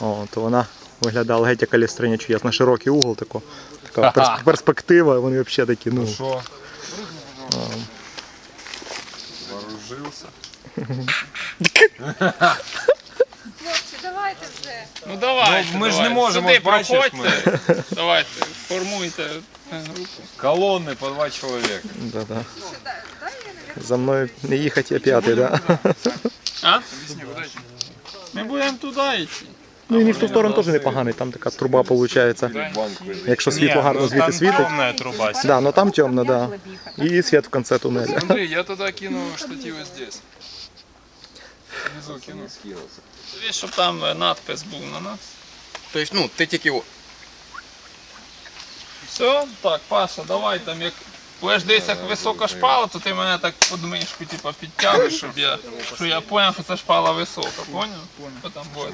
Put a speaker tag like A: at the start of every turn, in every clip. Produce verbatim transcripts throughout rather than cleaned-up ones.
A: О, то вона виглядала геть як Алістриня Чудес, на широкий угол тако. Така перс- перспектива, вони взагалі такі, ну.
B: Що? Вооружився.
C: Хлопці, давайте вже.
D: Ну давайте,
B: Ну, ми ж
D: давайте.
B: не можемо,
D: Сюди
B: бачиш,
D: проходьте. Давайте, формуйте групу.
B: Колонни по два чоловіка.
A: Да-да.
C: Що, дай, дай я, навіть.
A: За мною не їхати, я п'ятий, да?
D: А? Ми будемо туди йти.
A: Ну і в ту сторону теж непоганий, там така труба виходить. Якщо світло гарно звідти світить.
E: Темная труба.
A: Да, но там темно, да. І світ в кінці тунеля.
F: Андрей, я тогда кину штативы здесь. Внизу кину.
D: Дивись, щоб там е, надпис був на нас.
E: Тобто, ну, ти тільки...
D: Все, так, Паша, давай там як. Будеш десь як висока шпала, то ти мене так під мишку типу, підтягуєш, щоб я, щоб я зрозумів, що це шпала висока, поняв? Бо там буде.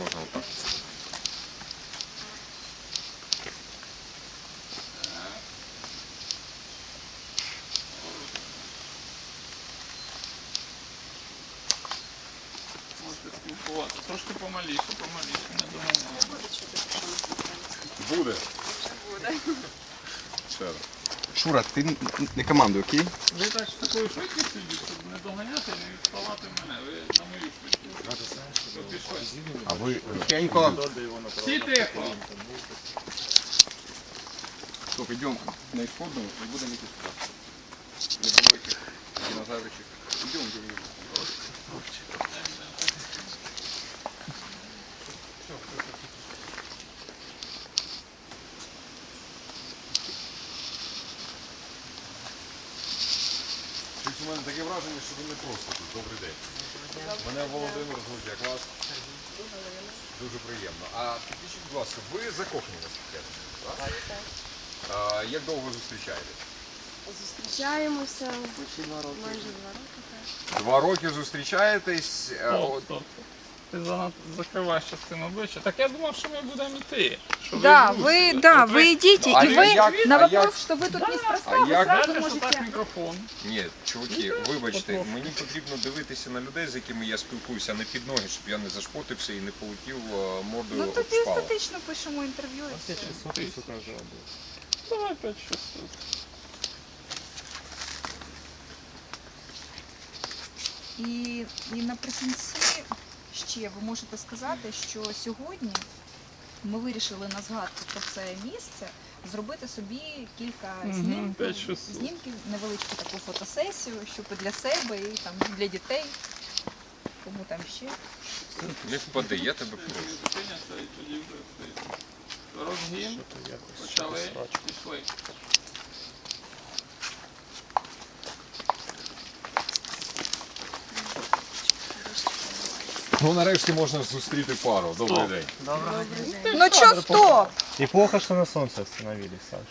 D: Можете спілкуватися. Трошки помаліше, помаліше, не доганяємо.
B: Буде.
E: Шура, ти не командуй, окей?
D: Ви так з такою швидкістю йдіть, щоб не доганяти і не відставати мене. Ви на мою швидкість. Щоб пішли.
B: А ви...
E: Я ніколи.
D: Всі тихо.
E: Стоп, йдемо на ісходну і будемо йти сюди. Не було яких динозавричих. Йдемо, йдемо.
B: Щось у мене таке враження, що ви не просто тут. Добрий день. Мене Володимир звуть, як вас? Дуже приємно. А підпишіть, будь ласка, ви закохані наскільки? Так? А, як довго зустрічаєтесь?
G: Зустрічаємося майже два роки. Так.
B: Два роки зустрічаєтесь. а,
D: Стоп,
B: от-
D: стоп. Ти занадто закриваєш частину обличчя. Так я думав, що ми будемо йти. Що
C: Да,
D: ви
C: ви,
D: тут.
C: да,
D: От
C: ви идите,
B: А
C: и
B: я-
C: вы
B: як-
C: на
B: а
C: вопрос,
B: як-
C: что вы тут неспроста,
B: а
C: вы
B: як-
C: сразу
D: Знаєте, що так
C: можете...
D: мікрофон?
B: Ні, чуваки, вибачте, мені потрібно дивитися на людей, з якими я спілкуюся, не під ноги, щоб я не зашпотився і не полетів е, мордою
C: Ну
B: об
C: тоді
B: шпалу.
C: естетично пишемо інтерв'ю і все.
D: Давай п'ять шістсот.
C: І, і наприкінці ще ви можете сказати, що сьогодні ми вирішили на згадку про це місце зробити собі кілька
D: Мгм,
C: знімків,
D: п'ять шістсот.
C: знімків, невеличку таку фотосесію, щоб і для себе, і там для дітей, кому там ще.
B: Не впади, я тебе прошу.
D: Зупиняться і тоді вже стоїть. Розгін. Почали. Пішли.
B: Ну нарешті можна зустріти пару. Добрий день.
C: Ну чо, стоп!
E: И плохо, что на солнце остановились, Саша.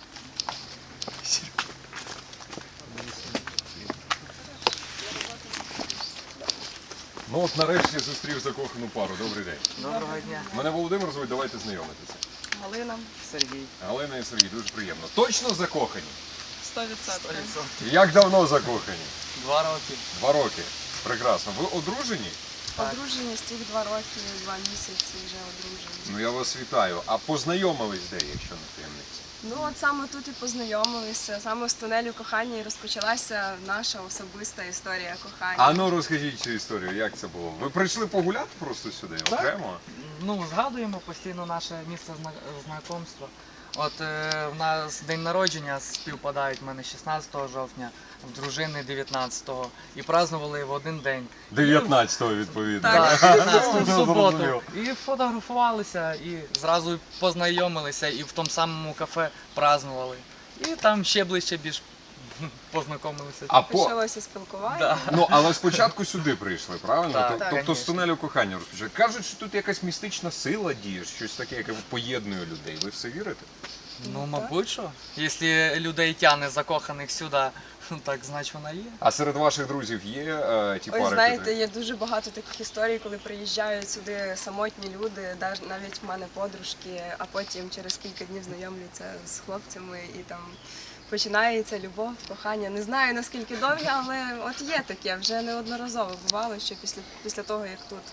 B: Ну от нарешті зустрів закохану пару. Добрий день.
H: Доброго дня.
B: Мене Володимир звуть, давайте знайомитися.
H: Галина. Сергій.
B: Галина і Сергій, дуже приємно. Точно закохані?
H: сто відсотків.
B: Як давно закохані?
H: Два роки.
B: Два роки. Прекрасно. Ви одружені?
G: Одружені з тих два роки, два місяці вже одружені.
B: Ну я вас вітаю. А познайомились де, якщо не таємниця?
G: Ну от саме тут і познайомилися, саме з тунелю кохання і розпочалася наша особиста історія кохання.
B: А ну розкажіть цю історію, як це було? Ви прийшли погуляти просто сюди, окремо?
H: Ну, згадуємо постійно наше місце зна- знайомства. От е, в нас день народження співпадають в мене шістнадцятого жовтня, в дружини дев'ятнадцятого. І празднували в один день.
B: дев'ятнадцятого відповідно.
H: Так, дев'ятнадцятого в
B: Ну,
H: суботу.
B: зрозумів.
H: І фотографувалися, і зразу познайомилися, і в тому самому кафе празднували. І там ще ближче більш познайомилися.
B: А по...
G: Почалося спілкування.
H: Да.
B: Ну, але спочатку сюди прийшли, правильно?
H: Так,
B: Тоб-
H: так,
B: тобто з
H: конечно.
B: тунелю кохання розпочали. Кажуть, що тут якась містична сила діє, щось таке, яке поєднує людей. Ви все вірите?
H: Ну, мабуть, що. Якщо людей тягне закоханих сюди, так значить вона є.
B: А серед ваших друзів є е, ті
G: Ось
B: пари?
G: знаєте,
B: котрі-
G: є дуже багато таких історій, коли приїжджають сюди самотні люди, даж- навіть в мене подружки, а потім через кілька днів знайомляться з хлопцями і там починається любов, кохання. Не знаю наскільки довгі, але от є таке, вже неодноразово бувало, що після, після того, як тут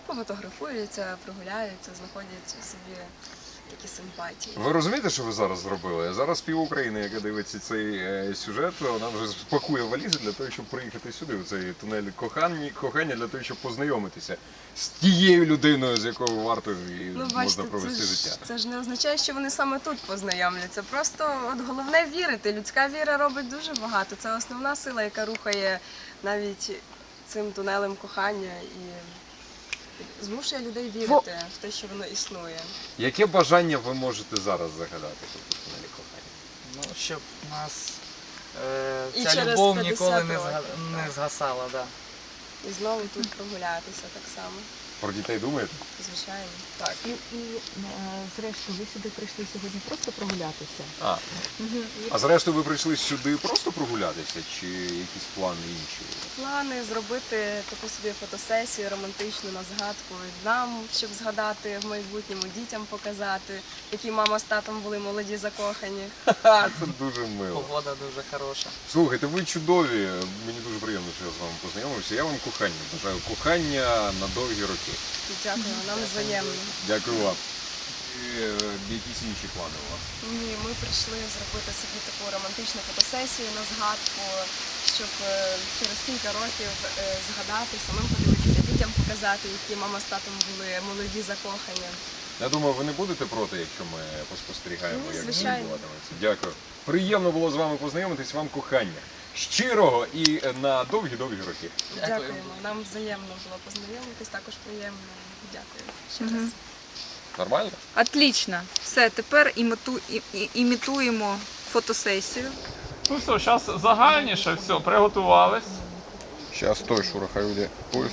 G: пофотографуються, прогуляються, знаходять собі такі симпатії.
B: Ви розумієте, що ви зараз зробили? Зараз пів України, яка дивиться цей е, сюжет, вона вже спакує валізи для того, щоб приїхати сюди, в цей тунель кохання, кохання для того, щоб познайомитися з тією людиною, з якою варто і
G: Ну,
B: можна
G: бачите,
B: провести
G: це ж,
B: життя.
G: це ж не означає, що вони саме тут познайомляться. Просто от головне вірити. Людська віра робить дуже багато. Це основна сила, яка рухає навіть цим тунелем кохання і змушує людей вірити в те, що воно існує.
B: Яке бажання ви можете зараз загадати тут у тунелі кохання?
H: Ну, щоб у нас е,
G: І
H: ця
G: через
H: любов
G: п'ятдесят
H: ніколи не,
G: років,
H: зга- не згасала. Да.
G: І знову тут прогулятися так само.
B: Про дітей думаєте?
G: Звичайно.
B: Так.
I: І, і е, зрештою, ви сюди прийшли сьогодні просто прогулятися?
B: А. а зрештою ви прийшли сюди просто прогулятися, чи якісь плани інші?
G: Плани зробити таку собі фотосесію романтичну на згадку нам, щоб згадати в майбутньому, дітям показати, які мама з татом були молоді закохані.
B: Ха, це дуже мило.
H: Погода дуже хороша.
B: Слухайте, ви чудові. Мені дуже приємно, що я з вами познайомився. Я вам кохання бажаю. Кохання на довгі роки.
G: Дякую, нам взаємно.
B: Дякую вам. І, е, якісь інші плани у вас?
G: Ні, ми прийшли зробити собі таку романтичну фотосесію на згадку, щоб е, через кілька років е, згадати, самим подивитися, дітям показати, які мама з татом були молоді закохані.
B: Я думаю, ви не будете проти, якщо ми поспостерігаємо,
G: Ну,
B: як це
G: звичайно.
B: відбуватиметься. Дякую. Приємно було з вами познайомитись. Вам кохання. Щирого і на довгі-довгі роки.
G: Дякуємо. Нам взаємно було познайомитись, також приємно. Дякую ще раз.
B: Нормально?
C: Отлично. Все, тепер іміту, і, і, імітуємо фотосесію.
D: Ну все, зараз загальніше, все, приготувались.
E: Сейчас стой, Шура, хай уйде. Поезд.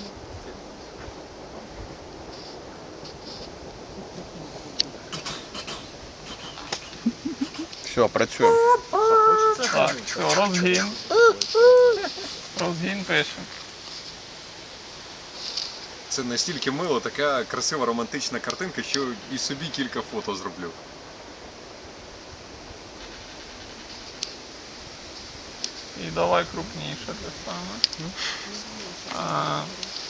E: Все, працюємо.
D: Так, все, розгін. Розгін пишемо.
B: Це настільки мило, така красива романтична картинка, що і собі кілька фото зроблю.
D: І давай крупніше те саме. А,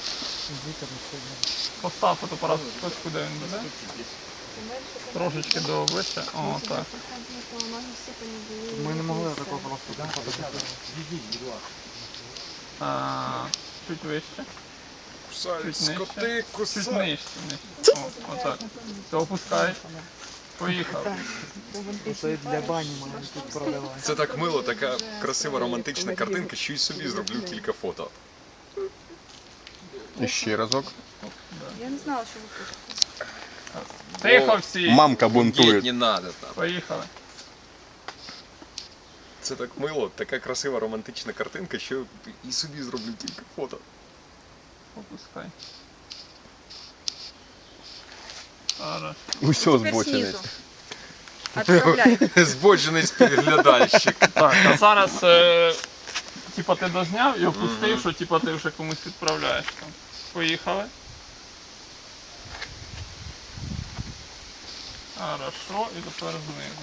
D: постав фотоапарат точку, де він буде. Трошечки до обличчя. О, так.
H: Ми не могли такого просто.
D: А, чуть вище.
B: Кусають
D: Чуть нижче.
B: скоти,
D: Чуть
B: кусають.
D: нижче. нижче. О, отак. Все, опускай. Поїхав.
H: Це для бані має тут продавати.
B: Це так мило, така красива романтична картинка, що і собі зроблю кілька фото.
E: І ще разок.
C: Я не знала, що ви пишете.
D: Тихо всі.
E: Мамка бунтує.
B: Не надо там.
D: Поїхали.
B: Це так мило, така красива романтична картинка, що і собі зроблю кілька фото.
D: Опускай. Хорошо.
E: Усьо
C: Тепер
E: збочений.
C: знизу. Отправляй.
B: Збочений споглядальщик.
D: Так, а зараз е, типа ти дозняв і опустив, що типа ти вже комусь відправляєш там. Поїхали. Хорошо, і тепер знизу.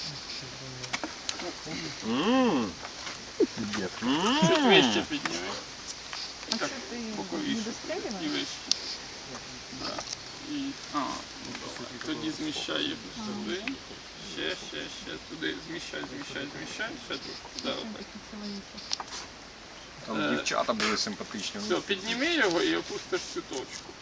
B: Ммм.
D: Чуть вище підніми.
C: А що ти
D: Боковіше.
C: не дострілював?
D: І вище. Да. І, а, ну давай. Тоді зміщай їх сюди. Ще, ще, ще туди. Зміщай, зміщай, зміщай. Ще тут. Да, отак.
B: Там дівчата були симпатичні.
D: Все, підніми його і опустиш цю точку.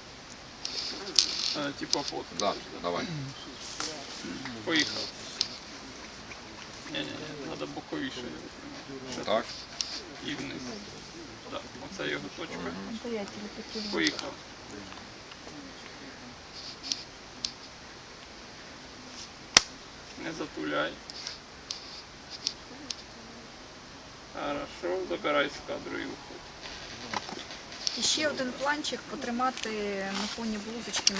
D: Е, Типа фото.
B: Да, давай.
D: Поїхав. Ні-ні-ні, треба боковіше його. Ще
B: Так.
D: і вниз. Так, оце його точка.
C: То я тебе хотіла.
D: Поїхав. Не затуляй. Хорошо, забирай з кадру і виходь.
C: І ще один планчик потримати на фоні блузочки.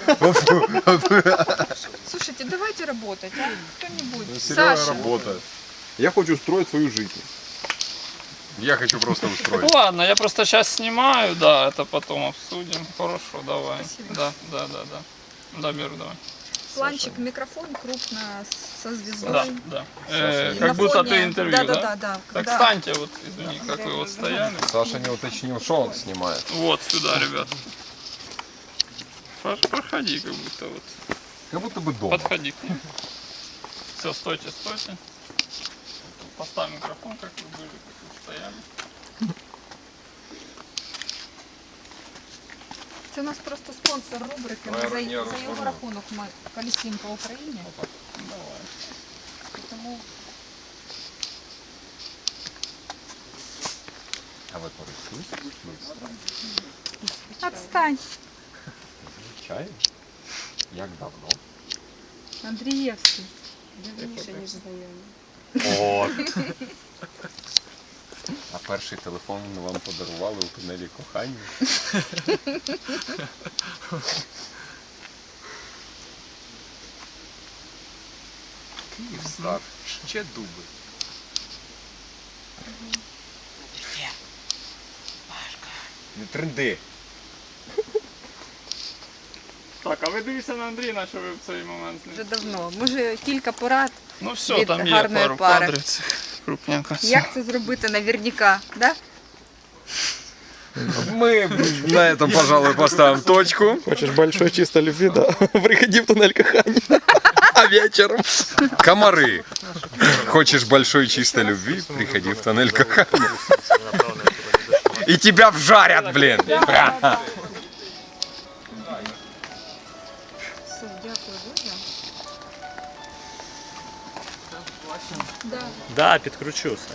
C: Слушайте, давайте работать, а? Кто-нибудь. Саша.
B: работает.
E: Я хочу строить свою жизнь.
B: Я хочу просто устроить.
D: Ладно, я просто сейчас снимаю, да, это потом обсудим. Хорошо, давай.
C: Спасибо.
D: Да, да, да, да. Да, беру, давай.
C: Планчик, микрофон крупно со звездой.
D: Да, да. Э,
C: И
D: как
C: на
D: будто
C: фоне-
D: ты интервью,
C: да?
D: да?
C: Да, да, да.
D: Так
C: Когда-
D: встаньте, вот, извини, как вы вот стояли.
B: Саша не уточнил, что он снимает.
D: Вот сюда, ребят. Про- Проходи, как будто вот.
B: Как будто бы дома.
D: Подходи к ним. Все, стойте, стойте. Поставь микрофон, как вы были, как вы стояли.
C: Це у нас просто спонсор рубрики. Ми за, за його рахунок ми колісимо по Україні.
D: Давай.
C: Тому
B: А ви користуєтесь?
C: відстань.
B: Чай? Як давно?
C: Андрієвський.
G: Давніше, ніж знайомі.
B: О. А перший телефон вам подарували у тунелі кохання? Київстар. Ще дуби. Не тренди.
D: Так, а ви дивіться на Андрія, що ви в цей момент не...
C: Вже давно. Може, кілька порад.
D: Ну все,
C: від
D: там є
C: гарної
D: пару
C: пари.
D: кадрів цих крупненько.
C: Як це зробити наверняка, да?
B: Мы на этом, пожалуй, поставим точку.
A: Хочешь большой чистой любви, да? Приходи в туннель кохания. А вечером?
B: Комары. Хочешь большой чистой любви, приходи в туннель кохания. И тебя вжарят, блин.
C: Все, дякую дуже. Да.
A: Да, підкручуся.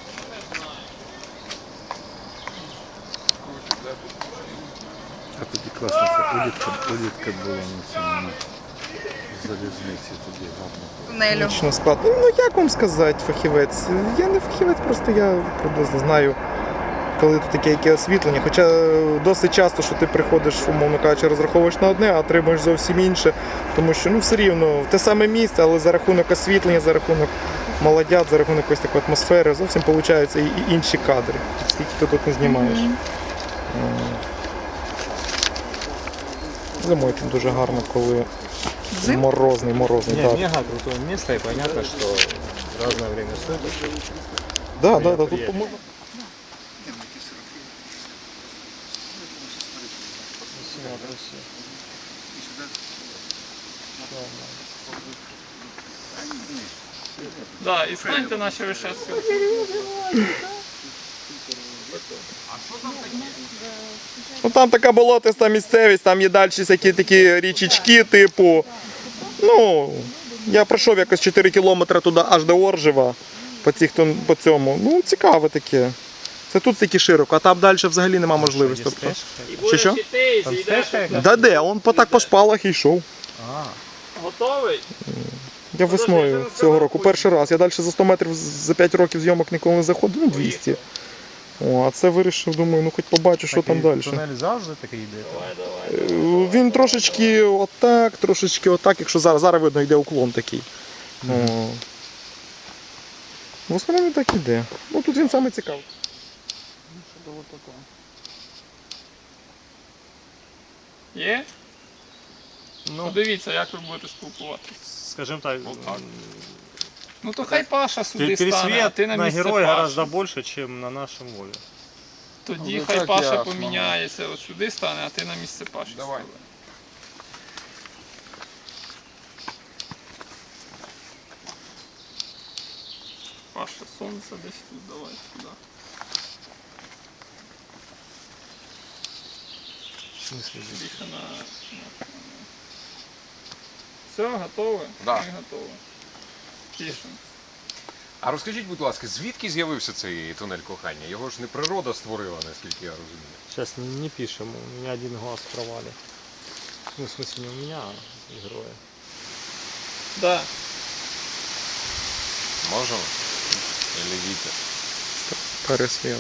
J: А тоді класно, це улітка, улітка була на цьому залізниці, тоді гарно.
C: Тунелю.
A: Точно склад. Ну, ну як вам сказати, фахівець? Я не фахівець, просто я приблизно знаю, коли тут таке яке освітлення. Хоча досить часто, що ти приходиш, умовно кажучи, розраховуєш на одне, а отримуєш зовсім інше. Тому що ну, все рівно те саме місце, але за рахунок освітлення, за рахунок молодят, за рахунок якоїсь такої атмосфери, зовсім получаються і, і інші кадри. Скільки ти тут не знімаєш.
C: Мгм.
A: Зимою тут дуже гарно, коли
C: Зим?
A: морозний, морозний. так.
J: Мега крутое место, и понятно, что в разное время суток.
A: Да, да, да, тут можна.
D: Да, і станьте наші вишески.
A: Ну там така болотиста місцевість, там є далі всякі такі річечки, типу. Ну, я пройшов якось чотири кілометри туди аж до Оржева, по, цих, по цьому. Ну, цікаве таке. Це тут таки широко, а там далі взагалі нема можливості. Тобто. Що що? Да де, он по так по шпалах і йшов.
D: Готовий?
A: Я весною цього року перший раз. Я далі за сто метрів за п'ять років зйомок ніколи не заходив, ну двісті. О, а це вирішив, думаю, ну хоч побачу, що там далі.
J: Тунель завжди такий йде.
A: Е, Він трошечки отак, трошечки отак, якщо зараз, зараз видно, йде уклон такий. О. В основному так іде. Ну тут він саме цікавий.
D: Є?
J: Ну,
D: Подивіться, як ви будете спілкуватися.
J: скажем так,
D: Ну то хай Паша сюди стане, а
J: пересвет
D: ти на
J: на
D: місце
J: героя
D: Паші.
J: гораздо больше, чем на нашем воле.
D: Тоді
F: Ну,
D: хай
F: так
D: Паша
F: ясно.
D: поміняється, от сюди стане, а ти на місце Паші.
F: Давай.
D: стане. Паша, сонце десь тут, давай сюди. Більше на... на- Все, готові?
B: Да.
D: Ми готові. Пишемо.
B: А розкажіть, будь ласка, звідки з'явився цей тунель кохання? Його ж не природа створила, наскільки я розумію.
J: Сейчас не пишем, у меня один глаз в провале. Ну, в смысле, не у меня, а у героя.
D: Да.
B: Можемо? Или Вітя?
A: Пересвіт.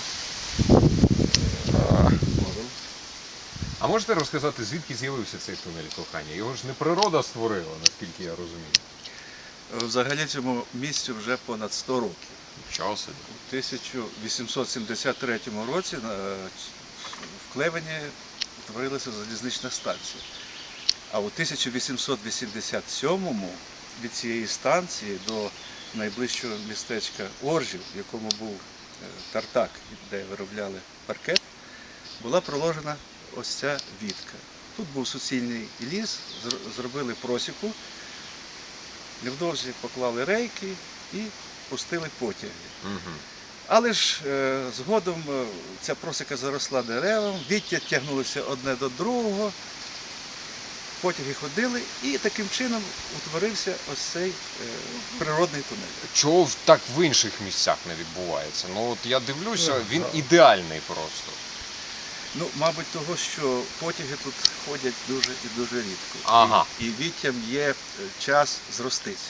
B: Можемо. А можете розказати, звідки з'явився цей тунель кохання? Його ж не природа створила, наскільки я розумію.
K: Взагалі цьому місцю вже понад сто років.
B: Чого собі?
K: У тисяча вісімсот сімдесят третьому році на- в Клевені творилася залізнична станція. А у тисяча вісімсот вісімдесят сьомому від цієї станції до найближчого містечка Оржів, в якому був е, тартак, де виробляли паркет, була проложена ось ця вітка. Тут був суцільний ліс, зр- зробили просіку, невдовзі поклали рейки і пустили потяги. Але ж е, згодом е, ця просіка заросла деревом, віття тягнулося одне до другого, потяги ходили, і таким чином утворився ось цей е, природний тунель.
B: Чого в- так в інших місцях не відбувається? Ну от я дивлюся, він ідеальний просто.
K: Ну, мабуть, того, що потяги тут ходять дуже і дуже рідко.
B: Ага.
K: І, і віттям є е, час зростися.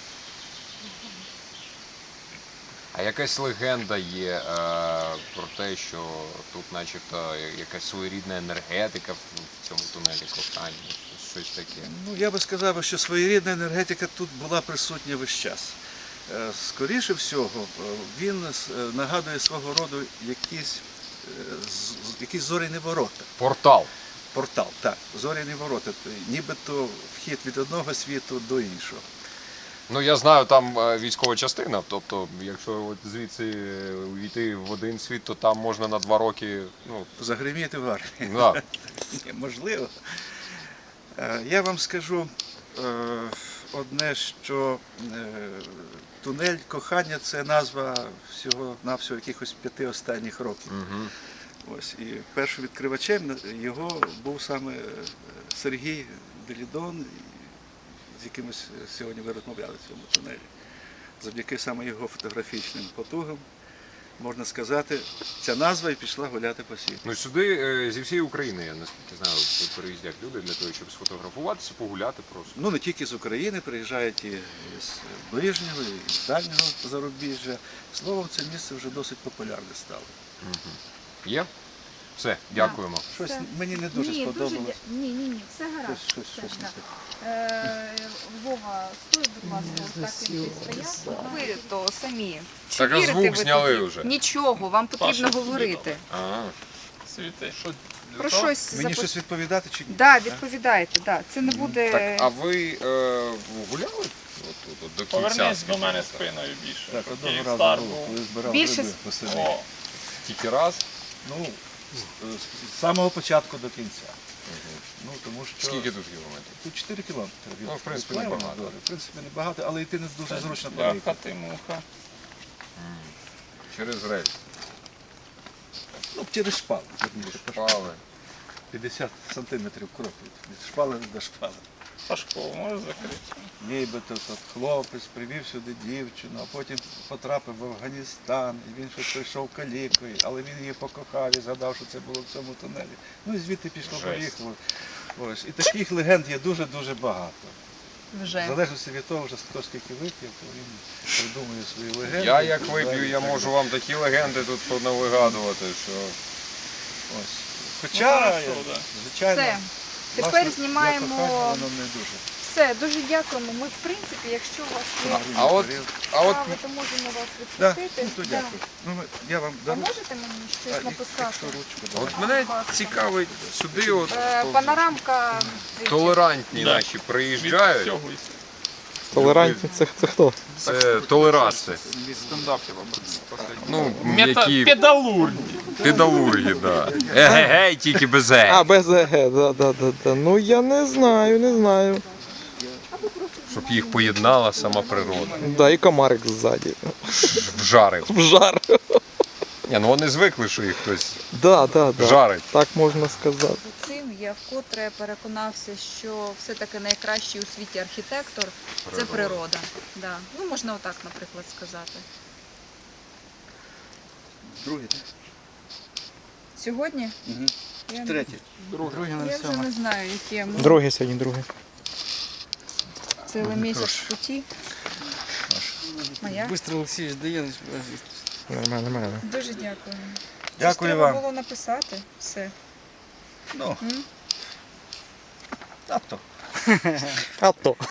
B: А якась легенда є е, про те, що тут начебто якась своєрідна енергетика в в цьому тунелі кохання, щось таке.
K: Ну, я би сказав, що своєрідна енергетика тут була присутня весь час. Е, Скоріше всього, е, він е, нагадує свого роду якісь, е, з- з- якісь зоряні ворота.
B: Портал.
K: Портал, так, зоряні ворота. Нібито вхід від одного світу до іншого.
B: Ну я знаю, там е, військова частина, тобто, якщо от звідси е, увійти в один світ, то там можна на два роки, ну,
K: Загриміти в армії.
B: да.
K: Ні, можливо. Е, Я вам скажу е, одне, що е, тунель кохання це назва всього-навсього якихось п'яти останніх років.
B: Угу.
K: Ось, і першим відкривачем його був саме е, Сергій Делідон, з якимось сьогодні ви розмовляли в цьому тунелі. Завдяки саме його фотографічним потугам, можна сказати, ця назва і пішла гуляти по світу.
B: Ну сюди е, зі всієї України, я наскільки знаю, переїздять люди для того, щоб сфотографуватися, погуляти просто.
K: Ну, не тільки з України, приїжджають і з ближнього, і з дальнього зарубіжжя. Словом, це місце вже досить популярне стало.
B: Угу. Є? Все, дякуємо.
K: Щось
C: Все.
K: мені не дуже
C: ні,
K: сподобалось.
C: Дуже... дя- Ні, ні, ні, все гаразд.
K: Щось, щось,
C: все,
K: щось не
C: да.
K: так.
C: Е, Вова, стой, будь ласка, ось так як ти стояв. Ви то самі. Чи
B: Так, а
C: вірите
B: звук
C: ви
B: зняли
C: тоді?
B: вже.
C: Нічого, вам потрібно
D: Паша,
C: говорити.
B: А,
D: Світи, що
C: Про
D: то?
C: щось
K: Мені
C: запит-
K: щось відповідати чи ні?
C: Да, відповідайте, да. Це не буде.
B: так, а ви е, гуляли от, от, от, до кінця?
D: Повернись до мене
B: скажімо так?
D: спиною більше.
K: Так,
D: щоб
K: одного
D: Київстар
K: разу було,
D: був.
K: коли збирав
C: Більше
K: гриби по селі.
D: О,
B: Тільки раз?
K: Ну, з, з самого початку до кінця. Ну, тому що...
B: Скільки тут кілометрів?
K: Тут чотири кілометри. від
B: Ну, в принципі,
K: Клевена
B: небагато.
K: до- В принципі, небагато, але йти не дуже зручно
D: бляха
K: проїхати.
D: ти муха.
B: Через рельс.
K: Ну, через шпали. верніше.
B: Шпали.
K: п'ятдесят сантиметрів крок від, від шпали до шпали.
D: Пашко, можеш закрити?
K: Нібито тут хлопець привів сюди дівчину, а потім потрапив в Афганістан, і він щось прийшов калікою, але він її покохав і згадав, що це було в цьому тунелі. Ну і звідти пішло,
B: Жесть.
K: поїхало. Ось. І таких легенд є дуже-дуже багато. В
C: Вже.
K: залежності від того, вже хто скільки вип'є, то він придумує свої легенди.
B: Я як
K: і
B: вип'ю, я
K: так
B: можу
K: далі.
B: вам такі легенди тут понавигадувати, що...
K: Ось.
D: Ну,
K: Хоча,
D: хорошо, да.
K: звичайно,
C: Все. Тепер
K: власне, для
C: знімаємо.
K: кохання воно не дуже.
C: Все, дуже дякуємо. Ми, в принципі, якщо у вас є
B: А от, а от
C: справи, то можемо вас
K: Да,
C: відпустити.
K: ну, то
C: Да.
K: дякую. Ну, ми- я вам
C: А
K: дару.
C: можете мені
K: А,
C: щось
K: і-
C: написати?
K: якщо ручку,
B: А
K: да.
B: от мене цікавить сюди от
C: Е, Панорамка.
B: толерантні
D: Да.
B: наші
D: Від
B: приїжджають.
D: всього і
A: Толерантні, це, це хто?
B: Це толераси.
F: Стендап я вам последний.
B: Ну,
D: Мета...
B: які
D: Педалурги.
B: педалурги, да. Егегей, тільки без е.
A: А, без ЕГ, да, да, да, да. Ну я не знаю, не знаю.
B: Щоб їх поєднала сама природа.
A: Да, і комарик ззаді.
B: Вжарив.
A: В жар.
B: Ні, ну вони звикли, що їх хтось
A: Да, да, да.
B: жарить.
A: Так можна сказати.
C: Цим я вкотре переконався, що все-таки найкращий у світі архітектор це
B: Природа.
C: природа. Да. Ну, можна отак, наприклад, сказати.
K: Другий, так?
C: Сьогодні
K: Угу.
C: я,
K: Третій.
C: я вже не знаю, яке ми.
A: Другий сьогодні, другий.
C: Цілий місяць в путі. Моя.
F: Быстро Олексійович дає.
A: Нормально, нормально.
C: Дуже дякую.
K: Дякую
C: Це ж треба
K: вам.
C: було написати все.
K: Ну,
C: М?
K: а то.
A: А то.